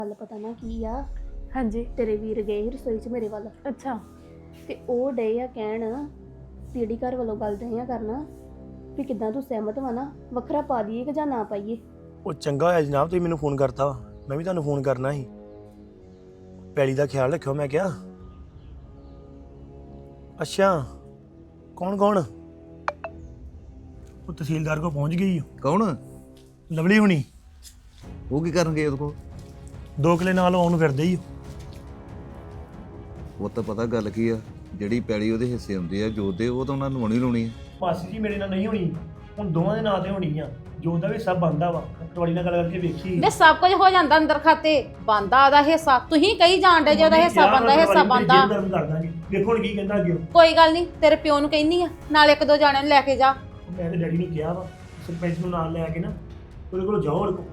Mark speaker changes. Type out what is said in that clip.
Speaker 1: ਗੱਲ ਪਤਾ ਨਾ ਕੀ ਆ।
Speaker 2: ਹਾਂਜੀ।
Speaker 1: ਤੇਰੇ ਵੀਰ ਗਏ ਸੀ ਰਸੋਈ 'ਚ ਮੇਰੇ ਵੱਲ
Speaker 2: ਅੱਛਾ।
Speaker 1: ਤੇ ਉਹ ਡੇ ਆ ਕਹਿਣ ਵੀ ਜਿਹੜੀ ਘਰ ਵੱਲੋਂ ਗੱਲ ਦੇ ਆ ਕਰਨਾ ਵੀ ਕਿੱਦਾਂ ਤੂੰ ਸਹਿਮਤ ਵਾ ਨਾ, ਵੱਖਰਾ ਪਾ ਦਈਏ ਕਿ ਜਾਂ ਨਾ ਪਾਈਏ।
Speaker 3: ਉਹ ਚੰਗਾ ਹੋਇਆ ਜਨਾਬ ਤੁਸੀਂ ਮੈਨੂੰ ਫੋਨ ਕਰਤਾ ਵਾ। ਮੈਂ ਵੀ ਤੁਹਾਨੂੰ ਫੋਨ ਕਰਨਾ ਸੀ। ਪੈਲੀ ਦਾ ਖਿਆਲ ਰੱਖਿਓ ਮੈਂ ਕਿਹਾ। ਅੱਛਾ ਕੌਣ ਕੌਣ? ਉਹ ਤਹਿਸੀਲਦਾਰ ਕੋਲ ਪਹੁੰਚ ਗਈ ਓ।
Speaker 4: ਕੌਣ?
Speaker 3: ਲਵਲੀ ਹੁਣੀ
Speaker 4: ਉਹ ਕੀ ਕਰਨਗੇ ਉਹਦੇ ਕੋਲ?
Speaker 3: 2 ਕਿਲੇ ਨਾਲ ਆਉਣ ਨੂੰ ਫਿਰਦੇ ਹੀ।
Speaker 4: ਉਹ ਤਾਂ ਪਤਾ ਗੱਲ ਕੀ ਆ, ਜਿਹੜੀ ਪੈਲੀ ਉਹਦੇ ਹਿੱਸੇ ਹੁੰਦੀ ਆ ਜੋਤ ਦੇ, ਉਹ ਤਾਂ ਉਹਨਾਂ ਨੂੰ ਹੋਣੀ ਲਾਉਣੀ ਆ।
Speaker 3: ਮਾਸੀ ਜੀ ਮੇਰੇ ਨਾਲ ਨਹੀਂ ਹੋਣੀ, ਹੁਣ ਦੋਵਾਂ ਦੇ ਨਾਂ ਤੇ ਹੋਣੀ ਆ। ਜੋ ਦਾ ਵੀ ਸਭ ਬੰਦਾ ਵਾ, ਤੁਹਾਡੀ ਨਾਲ ਗੱਲ ਕਰਕੇ ਵੇਖੀ।
Speaker 5: ਵੇ ਸਭ ਕੁਝ ਹੋ ਜਾਂਦਾ ਅੰਦਰ ਖਾਤੇ, ਬੰਦਾ ਉਹਦਾ ਹਿੱਸਾ। ਤੁਸੀਂ ਕਹੀ ਜਾਣਦੇ ਜੇ ਉਹਦਾ ਹਿੱਸਾ ਬੰਦਾ, ਹਿੱਸਾ ਬੰਦਾ।
Speaker 3: ਵੇਖੋ ਹੁਣ ਕੀ ਕਹਿੰਦਾ ਅੱਗੇ।
Speaker 5: ਕੋਈ ਗੱਲ ਨਹੀਂ, ਤੇਰੇ ਪਿਓ ਨੂੰ ਕਹਿੰਦੀ ਆ ਨਾਲ 1-2 ਜਾਣਿਆਂ ਨੂੰ ਲੈ ਕੇ ਜਾ।
Speaker 3: ਮੈਂ ਤੇ ਡੈਡੀ ਨੂੰ ਕਿਹਾ ਵਾ ਸਰਪੰਚ ਨੂੰ ਨਾਲ ਲੈ ਕੇ ਨਾ ਉਹਦੇ ਕੋਲ ਜਾਓ, ਉਹਦੇ ਕੋਲ